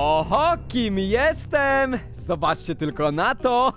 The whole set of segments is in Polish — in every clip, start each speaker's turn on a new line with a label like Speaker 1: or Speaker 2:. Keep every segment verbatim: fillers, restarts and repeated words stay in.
Speaker 1: Oho, kim jestem? Zobaczcie tylko na to.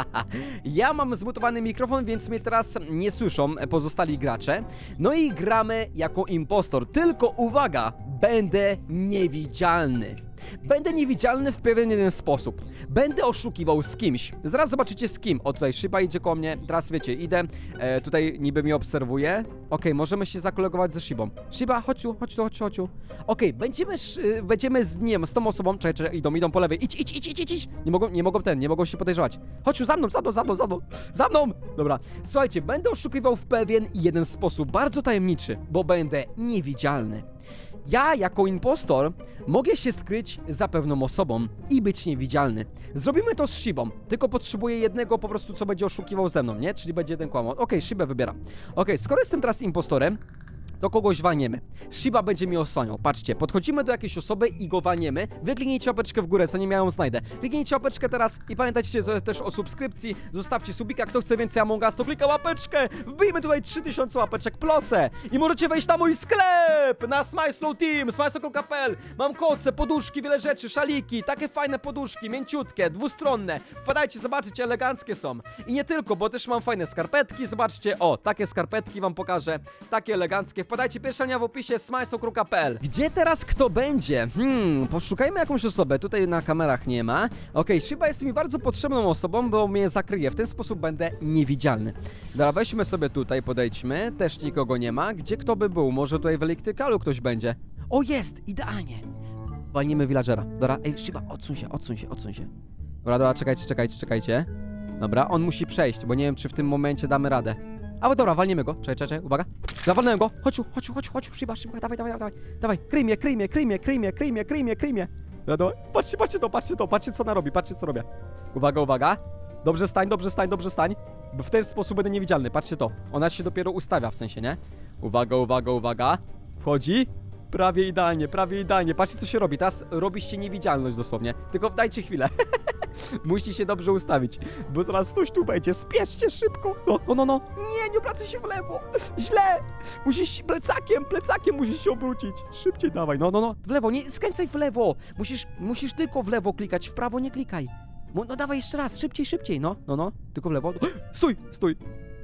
Speaker 1: Ja mam zmutowany mikrofon, więc mnie teraz nie słyszą pozostali gracze. No i gramy jako impostor. Tylko uwaga, będę niewidzialny. Będę niewidzialny w pewien jeden sposób. Będę oszukiwał z kimś. Zaraz zobaczycie z kim. O, tutaj Shiba idzie koło mnie. Teraz wiecie, idę. E, tutaj niby mnie obserwuje. Okej, możemy się zakolegować ze Shibą. Shiba, chodź tu, chodź tu, chodź tu, chodź tu. Okej, będziemy, sz- będziemy z nim, z tą osobą. Czekaj, czekaj, idą, idą po lewej. Idź, idź, idź, idź, idź, idź. Nie mogą, nie mogą ten, nie mogą się podejrzewać. Chodź tu, za mną, za mną, za mną, za mną. Za mną! Dobra, słuchajcie, będę oszukiwał w pewien jeden sposób, bardzo tajemniczy, bo będę niewidzialny. Ja, jako impostor, mogę się skryć za pewną osobą i być niewidzialny. Zrobimy to z Shibą, tylko potrzebuję jednego po prostu, co będzie oszukiwał ze mną, nie? Czyli będzie jeden kłamał. Okej, okay, Shibę wybieram. Okej, okay, skoro jestem teraz impostorem, to kogoś walniemy. Shiba będzie mi osłaniał. Patrzcie, podchodzimy do jakiejś osoby i go walniemy. Wy kliknijcie łapeczkę w górę, zanim ja ją znajdę. Kliknijcie łapeczkę teraz i pamiętajcie też o subskrypcji. Zostawcie subika, kto chce więcej Among Us, to klika łapeczkę. Wbijmy tutaj trzy tysiące łapeczek plosę. I możecie wejść na mój sklep, na Smyslow Team, smyslow kropka p l. Mam koce, poduszki, wiele rzeczy, szaliki, takie fajne poduszki, mięciutkie, dwustronne. Wpadajcie, zobaczycie, eleganckie są. I nie tylko, bo też mam fajne skarpetki, zobaczcie, o, takie skarpetki wam pokażę, takie eleganckie. Wpadajcie, pierwsza linia w opisie, smyslow kropka p l. Gdzie teraz kto będzie? Hmm, poszukajmy jakąś osobę. Tutaj na kamerach nie ma. Okej, okay, Shiba jest mi bardzo potrzebną osobą, bo mnie zakryje. W ten sposób będę niewidzialny. Dobra, weźmy sobie tutaj, podejdźmy. Też nikogo nie ma. Gdzie kto by był? Może tutaj w elektrykalu ktoś będzie? O, jest! Idealnie! Walnimy villagera. Dobra, ej, Shiba, odsuń się, odsuń się, odsuń się. Dobra, dobra, czekajcie, czekajcie, czekajcie. Dobra, on musi przejść, bo nie wiem, czy w tym momencie damy radę. Ale dobra, walniemy go. Czekaj, czekaj, uwaga. Zawalnąłem go. Chodź, chodź, chodź, chodź, Shiba, Shiba, dawaj, dawaj, dawaj. Dawaj, kryj mnie, kryj mnie, kryj mnie, kryj mnie, kryj mnie, kryj mnie, kryj mnie. Dobra, dawaj. Patrzcie, patrzcie to, patrzcie to, patrzcie co ona robi, patrzcie co robię. Uwaga, uwaga. Dobrze stań, dobrze stań, dobrze stań. Bo w ten sposób będę niewidzialny, patrzcie to. Ona się dopiero ustawia, w sensie, nie? Uwaga, uwaga, uwaga. Wchodzi. Prawie idealnie, prawie idealnie. Patrzcie co się robi, teraz robi się niewidzialność dosłownie. Tylko dajcie chwilę. Musicie się dobrze ustawić, bo zaraz ktoś tu będzie. Spieszcie szybko. No, no, no, no. Nie, nie obracaj się w lewo. Źle. Musisz plecakiem, plecakiem musisz się obrócić. Szybciej dawaj. No, no, no. W lewo, nie skręcaj w lewo. Musisz, musisz tylko w lewo klikać, w prawo nie klikaj. No dawaj jeszcze raz, szybciej, szybciej. No, no, no. Tylko w lewo. Stój, stój.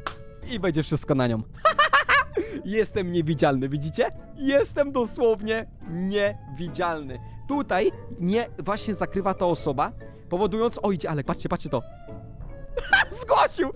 Speaker 1: I będzie wszystko na nią. Jestem niewidzialny, widzicie? Jestem dosłownie niewidzialny. Tutaj mnie właśnie zakrywa ta osoba, powodując... O, idzie Alek, patrzcie, patrzcie to. Zgłosił!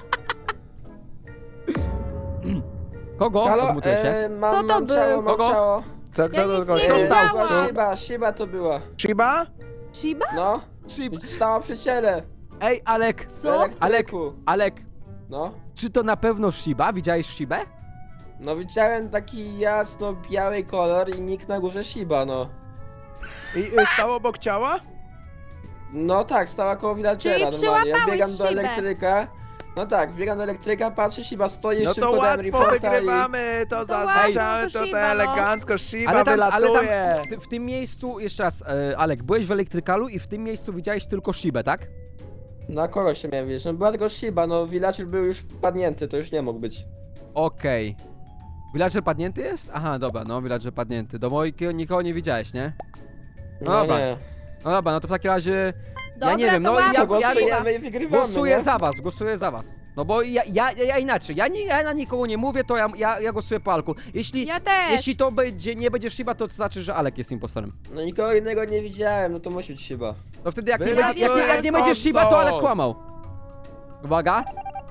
Speaker 1: Kogo?
Speaker 2: Halo,
Speaker 1: Odmutuję się.
Speaker 2: e, mam,
Speaker 3: Kto to
Speaker 2: mam
Speaker 3: był?
Speaker 2: ciało, mam
Speaker 1: Kogo?
Speaker 2: ciało.
Speaker 4: Co,
Speaker 3: Ja
Speaker 4: kto
Speaker 3: nic
Speaker 4: do kogoś?
Speaker 3: nie
Speaker 1: Kto stał?
Speaker 3: widziałam.
Speaker 2: była Shiba, Shiba to była.
Speaker 4: Shiba?
Speaker 3: Shiba?
Speaker 2: No,
Speaker 1: Shib-
Speaker 2: stała przy ciele.
Speaker 1: Ej, Alek,
Speaker 2: W
Speaker 3: Co?
Speaker 2: elektryku.
Speaker 1: Alek,
Speaker 2: No,
Speaker 1: czy to na pewno Shiba? Widziałeś Shibę?
Speaker 2: no widziałem taki jasno-biały kolor i nick na górze Shiba, no.
Speaker 4: I y, stał obok ciała?
Speaker 2: No tak, stała koło villagera
Speaker 3: Czyli
Speaker 2: normalnie. Ja
Speaker 3: przyłapałeś
Speaker 2: biegam do
Speaker 3: Shibę.
Speaker 2: elektryka. No tak, biegam do elektryka, patrzę, Shiba stoi,
Speaker 4: No
Speaker 2: szybko
Speaker 4: to
Speaker 2: dałem
Speaker 4: łatwo
Speaker 2: reporta i...
Speaker 4: wygrywamy, to
Speaker 3: łatwo,
Speaker 4: zaznaczamy,
Speaker 3: to
Speaker 4: to
Speaker 3: Shiba,
Speaker 4: te
Speaker 3: no.
Speaker 4: elegancko, Shiba
Speaker 1: Ale tam, ale tam
Speaker 4: wylatuje.
Speaker 1: w, ty, w tym miejscu, jeszcze raz, e, Alek, byłeś w elektrykalu i w tym miejscu widziałeś tylko Shibę, tak?
Speaker 2: Na kogo się miałem wiedzieć? No była tylko Shiba, no villager był już padnięty, to już nie mógł być.
Speaker 1: Okej. Villager padnięty jest? Aha, dobra, no, villager padnięty. Do mojego nikogo nie widziałeś, nie?
Speaker 2: No,
Speaker 1: Dobra.
Speaker 2: nie.
Speaker 1: No dobra, no to w takim razie...
Speaker 3: Dobra,
Speaker 1: nie wiem,
Speaker 3: to
Speaker 1: no
Speaker 3: łatwo,
Speaker 1: ja-
Speaker 2: Co,
Speaker 1: ja-
Speaker 2: głosujemy i wygrywamy,
Speaker 1: Głosuję
Speaker 2: nie?
Speaker 1: za was, głosuję za was. No bo ja, ja, ja inaczej, ja, nie, ja na nikogo nie mówię, to ja, ja, ja głosuję po Alku. Jeśli,
Speaker 3: Ja też.
Speaker 1: jeśli to będzie, nie będzie Shiba, to znaczy, że Alek jest impostorem.
Speaker 2: No nikogo innego nie widziałem, no to musi być Shiba.
Speaker 1: No wtedy jak, nie,
Speaker 4: Wygrałem
Speaker 1: będzie, jak, nie, jak nie będzie Shiba, to Alek kłamał. Uwaga.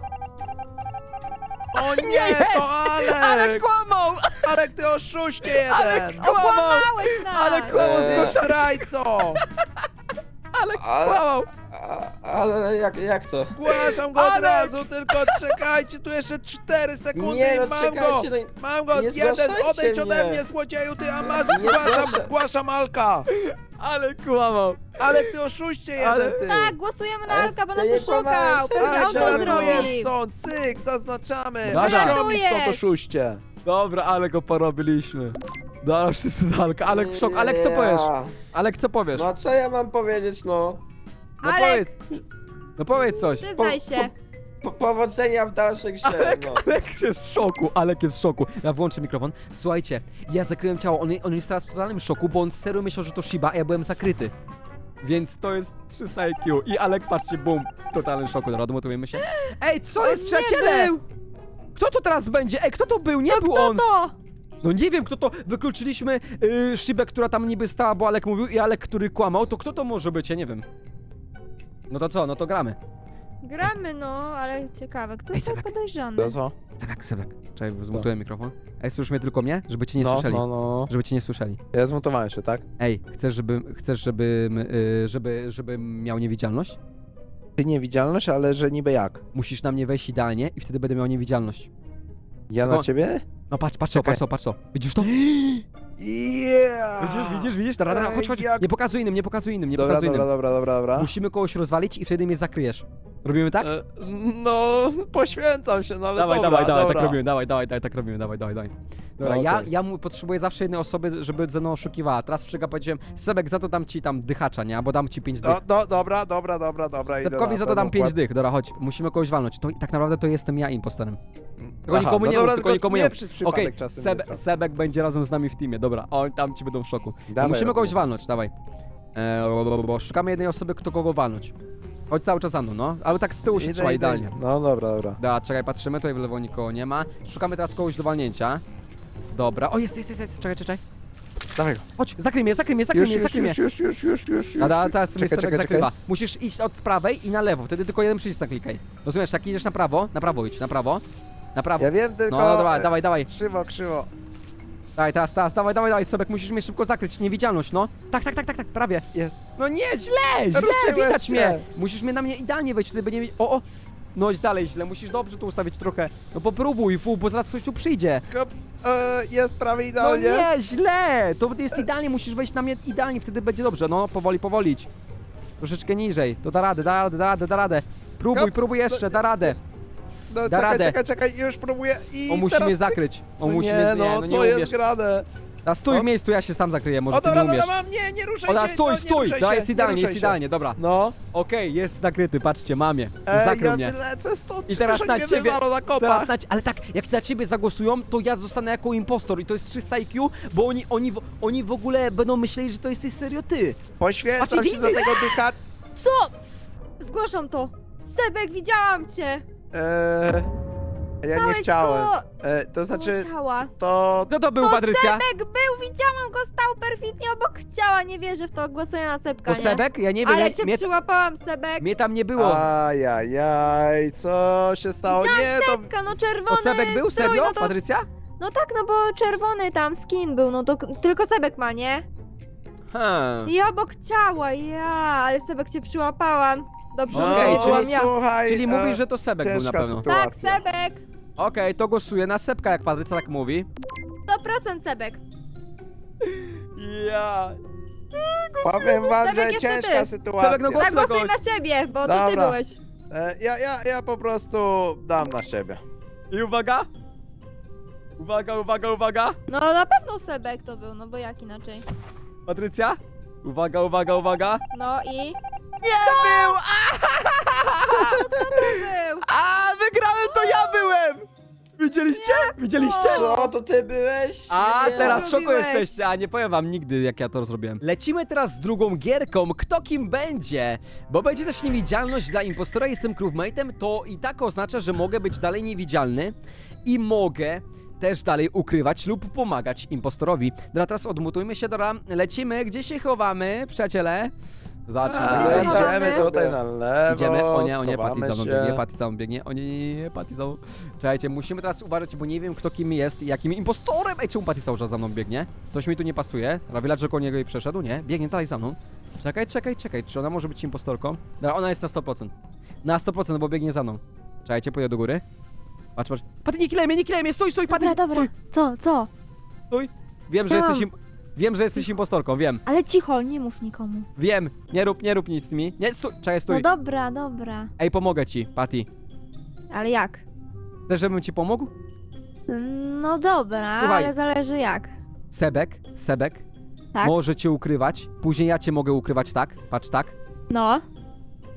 Speaker 4: O nie,
Speaker 1: jest!
Speaker 4: to Alek!
Speaker 1: Alek kłamał!
Speaker 4: Alek, ty oszuście jeden!
Speaker 1: Alek kłamał!
Speaker 3: Okłamałeś nas!
Speaker 1: Ale kłamał
Speaker 2: Eee.
Speaker 1: z
Speaker 4: Ty
Speaker 1: gościa.
Speaker 4: zdrajco!
Speaker 1: Alek
Speaker 2: Ale-
Speaker 1: kłamał!
Speaker 2: A, ale jak, jak to?
Speaker 4: Zgłaszam go od
Speaker 1: Alek!
Speaker 4: razu, tylko czekajcie, tu jeszcze cztery sekundy
Speaker 2: Nie,
Speaker 4: i
Speaker 2: no
Speaker 4: mam go!
Speaker 2: czekajcie, no i-
Speaker 4: Mam go,
Speaker 2: nie
Speaker 4: jeden,
Speaker 2: zgłaszajcie
Speaker 4: odejdź ode
Speaker 2: mnie.
Speaker 4: mnie, złodzieju, ty, a masz,
Speaker 2: Nie
Speaker 4: zgłaszam,
Speaker 2: zgłaszaj.
Speaker 4: zgłaszam Alka!
Speaker 1: Alek kłamał!
Speaker 4: Alek, ty oszuście
Speaker 1: Ale-
Speaker 4: jeden, ty!
Speaker 3: Tak, głosujemy na
Speaker 2: Ale
Speaker 3: Alka, bo
Speaker 2: to
Speaker 3: nas
Speaker 2: nie
Speaker 3: oszukał!
Speaker 2: kłamałem,
Speaker 3: Pewnie
Speaker 2: serio,
Speaker 3: on to
Speaker 2: żartuję
Speaker 4: Żartuję
Speaker 3: zrobił!
Speaker 4: stąd, cyk, zaznaczamy!
Speaker 1: Dobra.
Speaker 4: Wyściągnij stąd
Speaker 3: Żartujesz.
Speaker 4: oszuście!
Speaker 1: Dobra, ale go porobiliśmy. Dobra, wszyscy do Alka. Alek w szok. Alek, co powiesz?
Speaker 2: Ja.
Speaker 1: Alek, co powiesz?
Speaker 2: No co ja mam powiedzieć, no?
Speaker 1: No
Speaker 3: Alek!
Speaker 1: powiedz. No powiedz coś.
Speaker 3: Przyznaj się!
Speaker 2: Po powodzenia w dalszej grze,
Speaker 1: Alek,
Speaker 2: no.
Speaker 1: Alek jest w szoku, Alek jest w szoku. Ja włączę mikrofon. Słuchajcie, ja zakryłem ciało, on, on jest teraz w totalnym szoku, bo on serio myślał, że to Shiba, a ja byłem zakryty. Więc to jest trzysta I Q. I Alek, patrzcie, bum, w totalnym szoku. Dobra, domotujemy się. Ej, co jest,
Speaker 3: Nie
Speaker 1: przyjaciele?
Speaker 3: był.
Speaker 1: Kto to teraz będzie? Ej, kto to był? Nie
Speaker 3: To
Speaker 1: był
Speaker 3: kto
Speaker 1: on!
Speaker 3: to?
Speaker 1: No nie wiem, kto to. Wykluczyliśmy yy, Shibę, która tam niby stała, bo Alek mówił, i Alek, który kłamał. To kto to może być? Ja nie wiem. No to co? No to gramy.
Speaker 3: Gramy, no, ale ciekawe, kto
Speaker 1: Ej,
Speaker 3: jest tak
Speaker 1: Sebek.
Speaker 3: podejrzany?
Speaker 4: To co?
Speaker 1: Sebek, Sebek. Czekaj, zmutuję mikrofon. Ej, słyszysz mnie tylko mnie? Żeby cię nie
Speaker 4: no,
Speaker 1: słyszeli.
Speaker 4: no, no.
Speaker 1: Żeby cię nie słyszeli.
Speaker 4: Ja zmontowałem się, tak?
Speaker 1: Ej, chcesz, żeby, chcesz, żeby, yy, żeby, żebym miał niewidzialność?
Speaker 4: Ty niewidzialność, ale że niby jak?
Speaker 1: Musisz na mnie wejść idealnie i wtedy będę miał niewidzialność.
Speaker 4: Ja
Speaker 1: No.
Speaker 4: na ciebie?
Speaker 1: No patrz, patrz to,
Speaker 4: Czekaj.
Speaker 1: patrz to, patrz to. Widzisz to?
Speaker 4: Yeah!
Speaker 1: Widzisz, widzisz, widzisz? Dobra, dobra, chodź, chodź.
Speaker 4: Jak-
Speaker 1: Nie pokazuj innym, nie pokazuj innym, nie
Speaker 4: Dobra,
Speaker 1: pokazuj
Speaker 4: dobra,
Speaker 1: innym.
Speaker 4: dobra, dobra, dobra.
Speaker 1: Musimy kogoś rozwalić i wtedy mnie zakryjesz. Robimy tak?
Speaker 4: E, No, poświęcam się, no ale
Speaker 1: Dawaj,
Speaker 4: dobra,
Speaker 1: dawaj, dawaj,
Speaker 4: dobra.
Speaker 1: tak robimy, dawaj, dawaj, dawaj, tak robimy, dawaj, dawaj, dawaj. Dobra,
Speaker 4: No,
Speaker 1: ja,
Speaker 4: okej.
Speaker 1: ja mu potrzebuję zawsze jednej osoby, żeby ze mną oszukiwała. Teraz przyga powiedziałem, Sebek, za to dam ci tam dychacza, nie? Albo dam ci pięć dych.
Speaker 4: No, no, dobra, dobra, dobra, dobra. idę
Speaker 1: Sebkowi
Speaker 4: na
Speaker 1: za to
Speaker 4: ten
Speaker 1: dam pięć
Speaker 4: układ.
Speaker 1: dych. Dobra, chodź, musimy kogoś walnąć. To tak naprawdę to jestem ja impostorem. Tylko
Speaker 4: Aha,
Speaker 1: nikomu
Speaker 4: no
Speaker 1: nie
Speaker 4: dobra,
Speaker 1: mów, tylko
Speaker 4: tylko
Speaker 1: nikomu
Speaker 4: nie
Speaker 1: nie mów.
Speaker 4: przez przypadek
Speaker 1: Okej,
Speaker 4: czasem
Speaker 1: Sebe,
Speaker 4: nie
Speaker 1: Sebek będzie razem z nami w teamie, dobra. O, tam ci będą w szoku. No
Speaker 4: Dawaj,
Speaker 1: musimy
Speaker 4: Robu.
Speaker 1: kogoś walnąć, dawaj. Eee, bo, bo, bo, szukamy jednej osoby, kto kogo walnąć. Chodź cały czas za mną, no. Ale tak z tyłu się
Speaker 4: Idę,
Speaker 1: trzyma
Speaker 4: idę,
Speaker 1: idealnie.
Speaker 4: idę. No dobra, dobra.
Speaker 1: Dobra, czekaj, patrzymy, tutaj w lewo nikogo nie ma. Szukamy teraz kogoś do walnięcia. Dobra, o jest, jest, jest, jest. czekaj, czekaj.
Speaker 4: Dawaj go.
Speaker 1: Chodź, zakryj mnie, zakryj mnie, zakryj
Speaker 4: Już,
Speaker 1: mnie,
Speaker 4: już,
Speaker 1: zakryj mnie.
Speaker 4: już, już, już, już, już, już.
Speaker 1: A da, teraz mnie
Speaker 4: Czekaj,
Speaker 1: Sebek
Speaker 4: czekaj,
Speaker 1: zakrywa.
Speaker 4: czekaj.
Speaker 1: Musisz iść od prawej i na lewo, wtedy tylko jeden przycisk naklikaj. Rozumiesz, tak idziesz na prawo, na prawo idź, na prawo. Na prawo.
Speaker 4: Ja wiem tylko...
Speaker 1: No, no dawaj,
Speaker 4: e,
Speaker 1: dawaj, dawaj.
Speaker 4: Krzywo, krzywo.
Speaker 1: Dawaj, teraz, teraz, dawaj, dawaj, dawaj, Sebek, musisz mnie szybko zakryć, niewidzialność, no. Tak, tak, tak, tak, tak, prawie.
Speaker 4: Jest.
Speaker 1: No nie, źle, źle,
Speaker 4: Ruszyłeś
Speaker 1: widać
Speaker 4: się.
Speaker 1: mnie. Musisz mnie na mnie idealnie wejść, wtedy będzie... O, o. No dalej źle, musisz dobrze tu ustawić trochę. No popróbuj, fu, bo zaraz ktoś tu przyjdzie.
Speaker 4: Hops, e, jest prawie
Speaker 1: No
Speaker 4: idealnie.
Speaker 1: nie, źle! To jest idealnie, musisz wejść na mnie idealnie, wtedy będzie dobrze. No, powoli, powolić. Troszeczkę niżej. To da radę, da radę, da radę, da radę. Próbuj,
Speaker 4: Hop.
Speaker 1: próbuj jeszcze, da radę.
Speaker 4: No,
Speaker 1: Da
Speaker 4: czekaj,
Speaker 1: radę.
Speaker 4: czekaj, czekaj, już próbuję i
Speaker 1: On musi
Speaker 4: teraz
Speaker 1: mnie
Speaker 4: cyk.
Speaker 1: zakryć. On
Speaker 4: No
Speaker 1: musi
Speaker 4: nie,
Speaker 1: mnie,
Speaker 4: no,
Speaker 1: nie, no
Speaker 4: co
Speaker 1: nie
Speaker 4: jest
Speaker 1: umiesz.
Speaker 4: grane?
Speaker 1: A stój
Speaker 4: O.
Speaker 1: w miejscu, ja się sam zakryję, może
Speaker 4: O,
Speaker 1: ty
Speaker 4: dobra,
Speaker 1: nie
Speaker 4: dobra,
Speaker 1: umiesz.
Speaker 4: mam, nie, nie ruszaj
Speaker 1: O, da,
Speaker 4: się,
Speaker 1: stój,
Speaker 4: no, nie
Speaker 1: stój,
Speaker 4: ruszaj
Speaker 1: da,
Speaker 4: się,
Speaker 1: jest
Speaker 4: nie
Speaker 1: idealnie,
Speaker 4: ruszaj
Speaker 1: jest
Speaker 4: się.
Speaker 1: idealnie, dobra.
Speaker 4: No.
Speaker 1: Okej, jest zakryty, patrzcie, mamie.
Speaker 4: Ej,
Speaker 1: Zakrył
Speaker 4: ja
Speaker 1: mnie.
Speaker 4: lecę stąd,
Speaker 1: I teraz
Speaker 4: przecież
Speaker 1: na
Speaker 4: oni mnie
Speaker 1: ciebie,
Speaker 4: wywalą na kopa.
Speaker 1: teraz na, ale tak, jak na ciebie zagłosują, to ja zostanę jako impostor i to jest trzysta I Q, bo oni, oni, w- oni w ogóle będą myśleli, że to jesteś serio ty.
Speaker 4: Poświęcam
Speaker 1: Patrzcie,
Speaker 4: się za
Speaker 1: idzie-
Speaker 4: tego dycha...
Speaker 3: Co? Zgłaszam to. Sebek, widziałam cię.
Speaker 4: Eee, ja nie
Speaker 3: Dałeś
Speaker 4: chciałem.
Speaker 3: go
Speaker 4: E, to znaczy,
Speaker 3: koło ciała.
Speaker 4: to...
Speaker 1: Kto to był,
Speaker 3: To
Speaker 1: Patrycja?
Speaker 3: Sebek był, widziałam go, stał perfidnie obok ciała. Nie wierzę w to, głosuję na Sebka,
Speaker 1: To
Speaker 3: nie?
Speaker 1: Sebek? Ja nie wiem,
Speaker 3: Ale
Speaker 1: ja,
Speaker 3: cię
Speaker 1: mnie,
Speaker 3: przyłapałam, Sebek.
Speaker 1: mnie tam nie było.
Speaker 4: Ajajaj, co się stało? Nie, to...
Speaker 3: Sebka, no czerwony
Speaker 1: To Sebek był?
Speaker 3: strój,
Speaker 1: Serio,
Speaker 3: no to...
Speaker 1: Patrycja?
Speaker 3: No tak, no bo czerwony tam skin był, no to k- tylko Sebek ma, nie?
Speaker 1: Hmm.
Speaker 3: I obok ciała, ja, ale Sebek cię przyłapałam. Dobrze,
Speaker 1: No,
Speaker 3: że
Speaker 1: okej,
Speaker 3: to
Speaker 1: czyli-
Speaker 3: byłam ja.
Speaker 4: słuchaj...
Speaker 1: Czyli
Speaker 4: e,
Speaker 1: mówisz, że to Sebek był na
Speaker 4: ciężka
Speaker 1: pewno.
Speaker 4: sytuacja.
Speaker 3: Tak, Sebek.
Speaker 1: Okej, to głosuję na Sebka, jak Patrycja tak mówi.
Speaker 3: sto procent Sebek.
Speaker 1: Ja.
Speaker 4: Powiem wam,
Speaker 3: Sebek,
Speaker 4: że
Speaker 3: jeszcze
Speaker 4: ciężka
Speaker 3: ty.
Speaker 4: sytuacja.
Speaker 1: Sebek, no głos-
Speaker 3: Tak, głosuj
Speaker 1: kogoś.
Speaker 3: na siebie, bo to ty
Speaker 4: Dobra.
Speaker 3: byłeś.
Speaker 4: E, ja, ja, ja po prostu dam na siebie.
Speaker 1: I uwaga. Uwaga, uwaga, uwaga.
Speaker 3: No na pewno Sebek to był, no bo jak inaczej.
Speaker 1: Patrycja? Uwaga, uwaga, uwaga.
Speaker 3: No i...
Speaker 1: Nie był!
Speaker 3: Był!
Speaker 1: A, wygrałem, to ja byłem! Widzieliście? Widzieliście?
Speaker 2: Co, to ty byłeś?
Speaker 1: A,
Speaker 2: Nie.
Speaker 1: teraz w szoku
Speaker 3: Zrobiłeś.
Speaker 1: jesteście, a nie powiem wam nigdy, jak ja to zrobiłem. Lecimy teraz z drugą gierką, kto kim będzie? Bo będzie też niewidzialność dla impostora, jestem crewmate'em, to i tak oznacza, że mogę być dalej niewidzialny i mogę też dalej ukrywać lub pomagać impostorowi. Dobra, teraz odmutujmy się, dobra, lecimy, gdzie się chowamy, przyjaciele? Zobaczmy.
Speaker 3: A,
Speaker 1: tak,
Speaker 3: idziemy
Speaker 1: zobaczmy.
Speaker 4: Idziemy tutaj na lewo,
Speaker 1: Idziemy, o nie, o nie, Patty
Speaker 4: schowamy
Speaker 1: za mną
Speaker 4: się.
Speaker 1: biegnie, Patty za mną biegnie, o nie, nie, nie, Patty za mną. Czekajcie, musimy teraz uważać, bo nie wiem kto kim jest i jakim impostorem. Ej, czemu Patty cały czas za mną biegnie? Coś mi tu nie pasuje. Rawilacz koło niego i przeszedł, nie? Biegnie dalej za mną. Czekaj, czekaj, czekaj, czy ona może być impostorką? Dobra, ona jest na sto procent. Na sto procent, bo biegnie za mną. Czekajcie, pójdę do góry. Patrz, patrz. Patty, nie kilej mnie, nie kilej mnie, stój, stój, Patty,
Speaker 3: Dobra, dobra.
Speaker 1: stój,
Speaker 3: Co, co?
Speaker 1: stój. Wiem, że
Speaker 3: Tam.
Speaker 1: jesteś im... Wiem, że jesteś impostorką, wiem.
Speaker 3: Ale cicho, nie mów nikomu.
Speaker 1: Wiem, nie rób, nie rób nic z mi. Nie, stój, czekaj,
Speaker 3: No
Speaker 1: stój.
Speaker 3: dobra, dobra.
Speaker 1: Ej, pomogę ci, Patty.
Speaker 3: Ale jak?
Speaker 1: Chcesz, żebym ci pomógł?
Speaker 3: No dobra,
Speaker 1: Słuchaj.
Speaker 3: ale zależy jak.
Speaker 1: Sebek, Sebek,
Speaker 3: Tak?
Speaker 1: może cię ukrywać. Później ja cię mogę ukrywać, tak? Patrz, tak.
Speaker 3: No.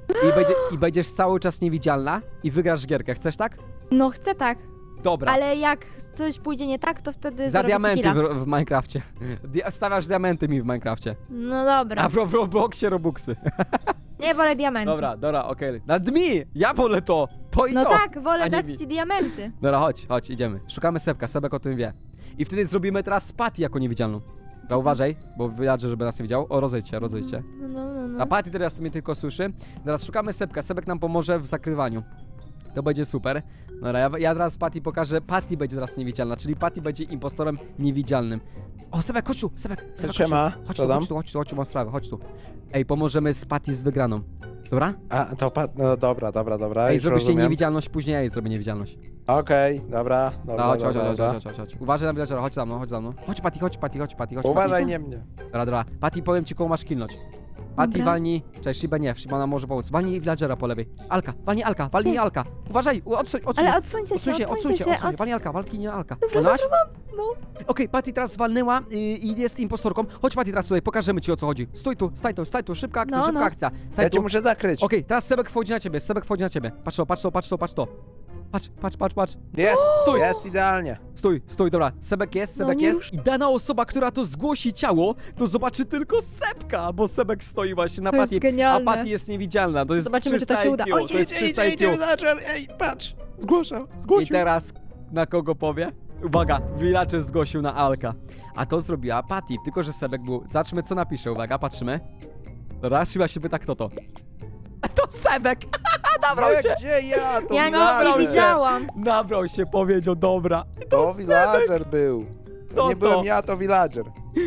Speaker 1: I, będzie, I będziesz cały czas niewidzialna i wygrasz gierkę. Chcesz tak?
Speaker 3: No chcę tak,
Speaker 1: Dobra.
Speaker 3: ale jak coś pójdzie nie tak, to wtedy
Speaker 1: Za
Speaker 3: zrobię ci
Speaker 1: diamenty
Speaker 3: killa.
Speaker 1: w, w Minecrafcie. Dia- Stawiasz diamenty mi w Minecrafcie.
Speaker 3: No dobra,
Speaker 1: A w, w Robloxie Robuxy.
Speaker 3: nie wolę diamenty.
Speaker 1: Dobra, dobra, okej. Nad mi! Ja wolę to! To i
Speaker 3: No
Speaker 1: to!
Speaker 3: tak,
Speaker 1: a
Speaker 3: wolę
Speaker 1: nie
Speaker 3: dać
Speaker 1: mi.
Speaker 3: ci diamenty.
Speaker 1: Dobra, chodź, chodź, idziemy. Szukamy Sebka, Sebek o tym wie. I wtedy zrobimy teraz Patty jako niewidzialną. To uważaj, bo wyjadę, żeby nas nie widział. O, rozejdź się, rozejdź się.
Speaker 3: No, no, no, no.
Speaker 1: A Patty teraz mnie tylko słyszy. Teraz szukamy Sebka, Sebek nam pomoże w zakrywaniu. To będzie super. Dobra, ja, ja teraz Patty pokażę. Patty będzie teraz niewidzialna, czyli Patty będzie impostorem niewidzialnym. O, Sebek, chodź tu, Sebek, Sebek, chodź
Speaker 4: Siema,
Speaker 1: tu, chodź
Speaker 4: co
Speaker 1: tu,
Speaker 4: tam?
Speaker 1: chodź tu, chodź tu, chodź tu, mam sprawę, chodź tu. Ej, pomożemy z Patty z wygraną. Dobra?
Speaker 4: A, to pa... No dobra, dobra, dobra,
Speaker 1: Ej,
Speaker 4: już
Speaker 1: zrobisz jej
Speaker 4: rozumiem.
Speaker 1: niewidzialność, później ja jej zrobię niewidzialność.
Speaker 4: Okej, dobra,
Speaker 1: No,
Speaker 4: dobra,
Speaker 1: chodź, chodź,
Speaker 4: dobra,
Speaker 1: chodź,
Speaker 4: dobra.
Speaker 1: chodź, chodź, chodź. Uważaj na villagera, chodź za mną, chodź za mną. Chodź, Patty, chodź, Patty, chodź, Patty, chodź.
Speaker 4: Uważaj,
Speaker 1: Patty.
Speaker 4: nie mnie.
Speaker 1: Dobra, dobra. Patty, powiem ci, koło masz kilnąć. Patty,
Speaker 3: Dobra.
Speaker 1: walnij. Cześć, Shiba nie, Shiba nam może pomóc. Walnij villagera po lewej. Alka, walnij Alka, walnij Alka. Uważaj, u- odsuń, odsuń.
Speaker 3: Ale odsuńcie się,
Speaker 1: Odsuń się, odsuń
Speaker 3: odsuńcie
Speaker 1: się,
Speaker 3: się.
Speaker 1: odsuń się.
Speaker 3: Od...
Speaker 1: Walnij Alka, walnij Alka.
Speaker 3: Dobra,
Speaker 1: Walnęłaś?
Speaker 3: dobra, mam. No.
Speaker 1: Okej, Patty teraz walnęła y, i jest impostorką. Chodź, Patty, teraz tutaj, pokażemy ci, o co chodzi. Stój tu, staj tu, staj tu, szybka akcja,
Speaker 3: No,
Speaker 1: szybka
Speaker 3: no.
Speaker 1: akcja. Staj
Speaker 4: Ja cię
Speaker 1: tu.
Speaker 4: muszę zakryć.
Speaker 1: Okej, teraz Sebek wchodzi na ciebie, Sebek wchodzi na ciebie. Patrz to, patrz to, patrz to, patrz to. Patrz, patrz, patrz, patrz.
Speaker 4: Jest,
Speaker 1: Stój.
Speaker 4: jest idealnie.
Speaker 1: Stój, stój, dobra. Sebek jest,
Speaker 3: No
Speaker 1: Sebek
Speaker 3: nie
Speaker 1: jest.
Speaker 3: rusz-
Speaker 1: I dana osoba, która to zgłosi ciało, to zobaczy tylko Sebka, bo Sebek stoi właśnie na
Speaker 3: To jest
Speaker 1: Patty. A
Speaker 3: genialne.
Speaker 1: Patty jest niewidzialna, to jest
Speaker 3: Zobaczymy, czy to
Speaker 1: trzysta
Speaker 3: się uda.
Speaker 1: I Q,
Speaker 3: Oj,
Speaker 1: to jest
Speaker 4: Idzie,
Speaker 1: trzysta
Speaker 4: idzie,
Speaker 1: I Q.
Speaker 4: idzie, villager, ej, patrz. Zgłaszał,
Speaker 1: I
Speaker 4: zgłosił.
Speaker 1: teraz na kogo powie? Uwaga, villager zgłosił na Alka. A to zrobiła Patty, tylko że Sebek był. Zobaczmy, co napisze, uwaga, patrzymy. Dobra, Shiba się pyta, kto to. To Sebek! Nabrał
Speaker 4: No
Speaker 1: się!
Speaker 4: jak gdzie ja? To
Speaker 3: Ja nic
Speaker 1: Nabrał
Speaker 3: nie
Speaker 1: się.
Speaker 3: widziałam.
Speaker 1: Nabrał się, powiedział, dobra.
Speaker 4: To villager był.
Speaker 1: To
Speaker 4: To nie
Speaker 1: to.
Speaker 4: byłem ja, to villager.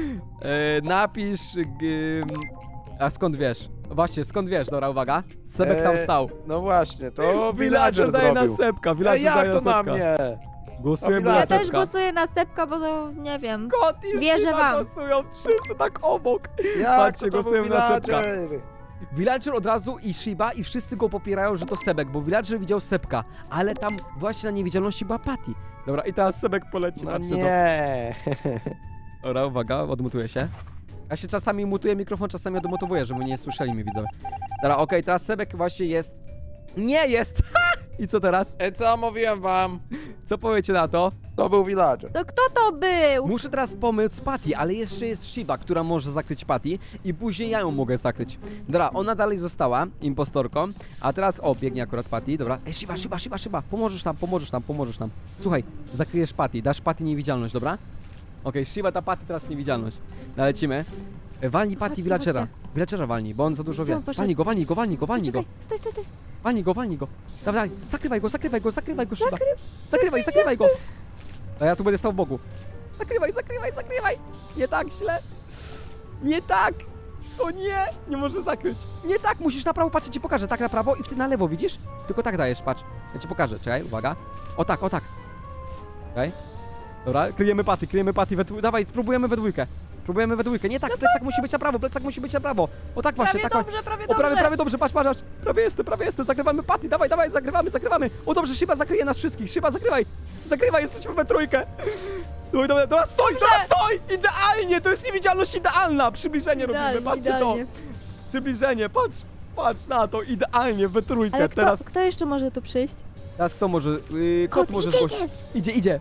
Speaker 1: E, napisz. G, a skąd wiesz? Właśnie, skąd wiesz? Dobra, uwaga. Sebek tam
Speaker 4: E,
Speaker 1: stał.
Speaker 4: No właśnie, to
Speaker 1: Villager
Speaker 4: villager
Speaker 1: daje na
Speaker 4: zrobił.
Speaker 1: Sebka,
Speaker 4: Ej,
Speaker 1: villager daje
Speaker 4: jak
Speaker 1: na
Speaker 4: to na
Speaker 1: Sebka.
Speaker 4: mnie?
Speaker 1: Głosujemy
Speaker 4: To
Speaker 1: na
Speaker 3: Ja
Speaker 4: villager.
Speaker 3: też
Speaker 1: Sebka.
Speaker 3: głosuję na Sepka, bo to nie wiem.
Speaker 1: Kot i
Speaker 3: Wierzę
Speaker 1: Shiba
Speaker 3: wam.
Speaker 1: głosują wszyscy tak obok.
Speaker 4: Jak
Speaker 1: Patrzcie,
Speaker 4: to, to był
Speaker 1: głosujemy na Sebka.
Speaker 4: villager?
Speaker 1: Villager od razu i Shiba i wszyscy go popierają, że to Sebek, bo Villager widział Sebka, ale tam właśnie na niewidzialności była Patty. Dobra, i teraz Sebek poleci,
Speaker 4: No
Speaker 1: patrzcie to.
Speaker 4: nie.
Speaker 1: Dobra, uwaga, odmutuję się. Ja się czasami mutuję mikrofon, czasami odmutowuję, żeby nie słyszeli mnie widzowie. Dobra, okej, teraz Sebek właśnie jest... Nie jest! Ha! I co teraz?
Speaker 4: E, co mówiłem wam?
Speaker 1: Co powiecie na to?
Speaker 4: To był villager.
Speaker 3: To kto to był?
Speaker 1: Muszę teraz pomóc Patty, ale jeszcze jest Shiba, która może zakryć Patty i później ja ją mogę zakryć. Dobra, ona dalej została impostorką, a teraz, o, biegnie akurat Patty, dobra. Ej, Shiba, Shiba, Shiba, Shiba, pomożesz nam, pomożesz nam, pomożesz nam. Słuchaj, zakryjesz Patty, dasz Patty niewidzialność, dobra? Okej, Shiba ta Patty teraz niewidzialność. Nalecimy. E, Walnij Patty
Speaker 3: Chodźcie,
Speaker 1: Villagera.
Speaker 3: chodźcie.
Speaker 1: Villagera walnij, bo on za dużo
Speaker 3: Gdzie
Speaker 1: wie.
Speaker 3: on poszedł?
Speaker 1: Walnij go, walnij go, walnij go, walnij go.
Speaker 3: Czekaj, stój, stój, stój.
Speaker 1: Walnij go, walnij go. Dawaj, dawaj, zakrywaj go, zakrywaj go, zakrywaj go, Shiba. Zakrywaj, zakrywaj go. A ja tu będę stał w boku. Zakrywaj, zakrywaj, zakrywaj. Nie tak źle. Nie tak. O nie, nie może zakryć. Nie tak, musisz na prawo, patrz, ja ci pokażę. Tak na prawo i wtedy na lewo, widzisz? Tylko tak dajesz, patrz. Ja ci pokażę, czekaj, uwaga. O tak, o tak. Czekaj. Dobra, kryjemy Patty, kryjemy Patty we dwójkę. Dawaj, próbujemy we dwójkę. Próbujemy we dwójkę. Nie tak, plecak musi być na prawo, plecak musi być na prawo. O tak właśnie,
Speaker 3: Prawie
Speaker 1: tak.
Speaker 3: dobrze, prawie
Speaker 1: O,
Speaker 3: dobrze.
Speaker 1: prawie, prawie dobrze, patrz, patrz, patrz. Prawie jestem, prawie jestem. Zagrywamy Patty, dawaj, dawaj, zagrywamy, zagrywamy. O dobrze, Shiba zakryje nas wszystkich. Shiba, zagrywaj. Zagrywaj, jesteśmy we trójkę. Dobra, dobra, dobra, stoj, dobra, stoj! Idealnie, to jest niewidzialność idealna. Przybliżenie robimy,
Speaker 3: Idealnie,
Speaker 1: patrzcie
Speaker 3: idealnie.
Speaker 1: to. Przybliżenie, patrz, patrz na to, idealnie, we trójkę.
Speaker 3: Ale kto,
Speaker 1: Teraz,
Speaker 3: kto jeszcze może tu przyjść?
Speaker 1: teraz kto może, yy, kot, może
Speaker 3: idzie,
Speaker 1: zgłosić.
Speaker 3: idzie.
Speaker 1: Idzie, idzie.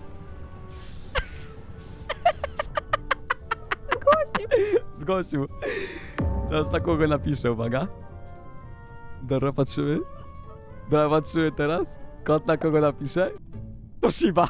Speaker 1: Zgłosił. Teraz na kogo napiszę, uwaga. Dobra, patrzymy. Dobra, patrzymy teraz. Kot na kogo napisze? To Shiba.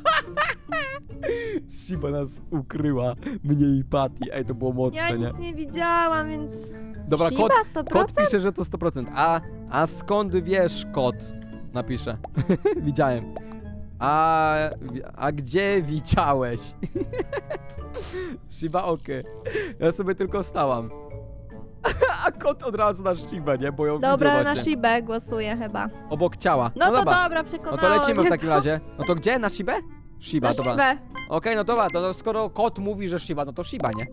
Speaker 1: Shiba nas ukryła. Mnie i Patty. Ej, to było
Speaker 3: Ja
Speaker 1: mocne, nie?
Speaker 3: nic nie widziałam, więc...
Speaker 1: Dobra,
Speaker 3: Shiba,
Speaker 1: kot,
Speaker 3: sto
Speaker 1: kot
Speaker 3: procent?
Speaker 1: pisze, że to sto procent. A, a skąd wiesz, kot? Napisze. Widziałem. A, a gdzie widziałeś? Shiba, okej. Ja sobie tylko stałam. A kot od razu na Shibę, nie? Bo ją
Speaker 3: Dobra,
Speaker 1: widział
Speaker 3: na
Speaker 1: właśnie.
Speaker 3: Shibę głosuję chyba.
Speaker 1: Obok ciała.
Speaker 3: No, to
Speaker 1: dobra.
Speaker 3: dobra,
Speaker 1: No
Speaker 3: przekonałam.
Speaker 1: to lecimy w
Speaker 3: mnie
Speaker 1: takim
Speaker 3: to.
Speaker 1: razie. No to gdzie? Na Shibę? Shiba,
Speaker 3: Na
Speaker 1: dobra.
Speaker 3: Shibę.
Speaker 1: Okej, no dobra, to, to skoro kot mówi, że Shiba, no to Shiba, nie?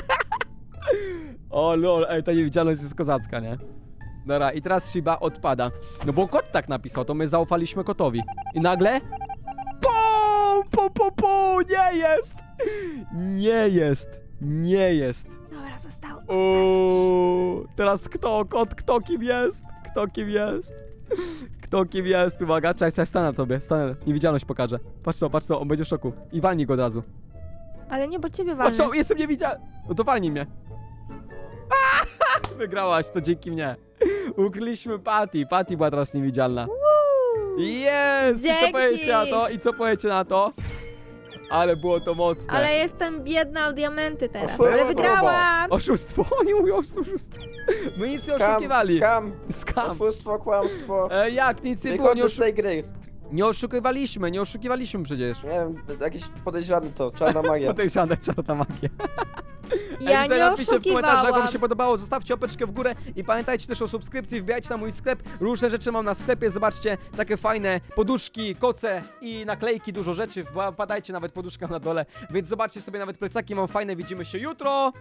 Speaker 1: O lol, ej, ta niewidzialność jest kozacka, nie? Dobra, i teraz Shiba odpada. No bo kot tak napisał, to my zaufaliśmy kotowi. I nagle... Po, po, po, po, nie jest! Nie jest, nie jest.
Speaker 3: Dobra, został.
Speaker 1: Uuu, teraz kto, kot, kto, kim jest? Kto kim jest? Kto kim jest? Uwaga, czekaj, czekaj, stanę na tobie, stanę. Niewidzialność pokażę. Patrz to, patrz to, on będzie w szoku. I walnij go od razu.
Speaker 3: Ale nie, bo ciebie
Speaker 1: Patrz
Speaker 3: walnę.
Speaker 1: to, jestem niewidzialny. No to walnij mnie. Aaa! Wygrałaś, to dzięki mnie. Ukryliśmy Patty. Patty była teraz niewidzialna. Jest! I co
Speaker 3: Dzięki.
Speaker 1: powiecie na to? I co powiecie na to? Ale było to mocne.
Speaker 3: Ale jestem biedna o diamenty teraz.
Speaker 2: Oszustwo.
Speaker 3: Ale wygrałam!
Speaker 1: Oszustwo, oni mówią oszustwo. My nic nie
Speaker 2: Skam,
Speaker 1: oszukiwali.
Speaker 2: skam,
Speaker 1: Skam.
Speaker 2: oszustwo, kłamstwo.
Speaker 1: E, jak? Nic nie było, nie,
Speaker 2: Wychodzę z
Speaker 1: oszu
Speaker 2: tej gry.
Speaker 1: nie oszukiwaliśmy, nie oszukiwaliśmy przecież.
Speaker 2: Nie wiem, jakieś podejrzane to, czarna magia.
Speaker 1: Podejrzane, czarna magia.
Speaker 3: Ja
Speaker 1: Ej, widzę,
Speaker 3: nie
Speaker 1: napiszcie w komentarzach, jak wam
Speaker 3: oszukiwałam.
Speaker 1: się podobało, zostawcie opeczkę w górę i pamiętajcie też o subskrypcji, wbijajcie na mój sklep, różne rzeczy mam na sklepie, zobaczcie, takie fajne poduszki, koce i naklejki, dużo rzeczy, wpadajcie, nawet poduszka na dole, więc zobaczcie sobie, nawet plecaki mam fajne, widzimy się jutro!